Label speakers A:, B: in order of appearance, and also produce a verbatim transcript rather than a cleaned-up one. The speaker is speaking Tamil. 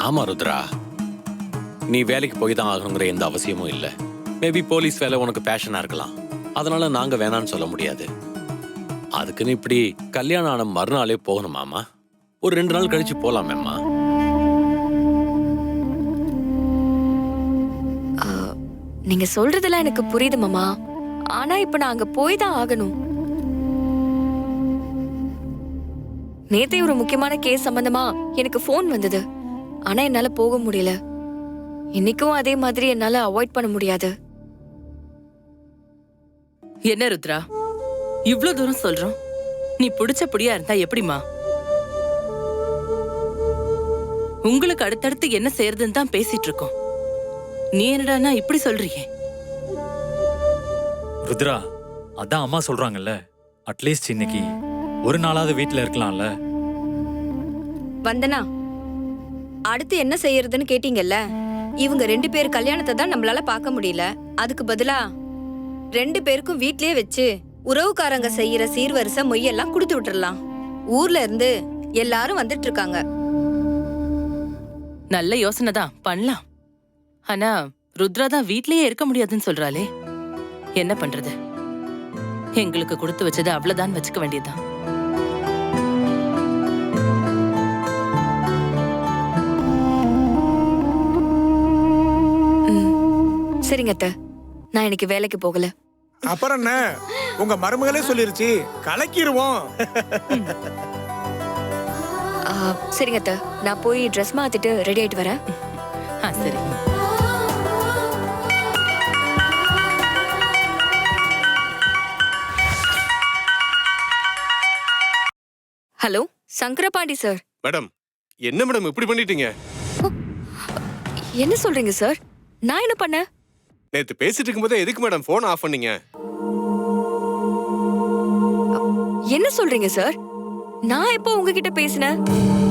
A: ஆமா ருத்ரா, நீ வேலைக்கு போய் தான் ஆகணுங்கிற எந்த அவசியமும் இல்லை. மேபி போலீஸ் வேலை உனக்கு பேஷனா இருக்கலாம், அதனால நாங்க வேணான்னு சொல்ல முடியாது. அதுக்குன்னு இப்படி கல்யாணம் ஆன மறுநாளே போகணுமாமா? ஒரு ரெண்டு நாள் கழிச்சு போலாமேம்மா.
B: நீங்க சொல்றதெல்லாம் எனக்கு புரியுது மாமா. ஆனா இப்ப நான் அங்க போய் தான் ஆகணும். நேத்தே ஒரு முக்கியமான கேஸ் சம்பந்தமா எனக்கு போன் வந்தது. ஆனா என்னால போக முடியல. இன்னைக்கும் அதே மாதிரி என்னால அவாய்ட் பண்ண முடியாது.
C: என்ன ருத்ரா, இவ்ளோ தூரம் சொல்றோம், நீ பிடிச்ச புடியா இருந்தா எப்படிமா? உங்களுக்கு அடுத்தடுத்து என்ன செய்யறதுன்னு தான் பேசிட்டு இருக்கோம். நீ என்னடானா இப்படி சொல்றியே?
D: ருத்ரா, அதான் அம்மா சொல்றாங்கல்ல, அட்லீஸ்ட் இன்னைக்கு ஒரு நாளாவது வீட்டுல இருக்கலாம்ல.
E: வந்தனா, அடுத்து என்ன செய்யறதுன்னு கேட்டீங்கல்ல. இவங்க ரெண்டு பேர் கல்யாணத்தை தான் நம்மளால பார்க்க முடியல. அதுக்கு பதிலா ரெண்டு பேருக்கும் வீட்லயே வச்சு உறவுக்காரங்க செய்யற சீர்வரிசை மொய்யெல்லாம் கொடுத்து விட்டுறலாம். ஊர்ல இருந்து எல்லாரும் வந்துட்டு இருக்காங்க.
C: நல்ல யோசனை தான், பண்ணலாம். ஆனா ருத்ரா தான் வீட்லயே இருக்க முடியாதுன்னு சொல்றாளே, என்ன பண்றது? எங்களுக்கு கொடுத்து வச்சது அவ்வளவுதான் வச்சுக்க வேண்டியதுதான்.
B: சரிங்க அத்தை, நான் இன்னைக்கு வேலைக்கு போகல.
F: அப்புறம் என்ன, உங்க மருமகளே சொல்லிருச்சு, கலக்கிடுவோம்.
B: ஆ, சரிங்க அத்தை, நான் போய் ட்ரெஸ் மாத்திட்டு ரெடி ஆயிட்டு வரேன்.
C: ஆ, சரி.
B: Hello, Shankarapandi sir.
G: மேடம், என்ன மேடம் இப்படி பண்ணிட்டீங்க?
B: என்ன சொல்றீங்க சார்? நான் என்ன பண்ணேன்?
G: நேத்து பேசிட்டு இருக்கும்போதே எதுக்கு மேடம் போன் ஆஃப் பண்ணீங்க?
B: என்ன சொல்றீங்க சார்? நான் எப்போ உங்ககிட்ட பேசினேன்?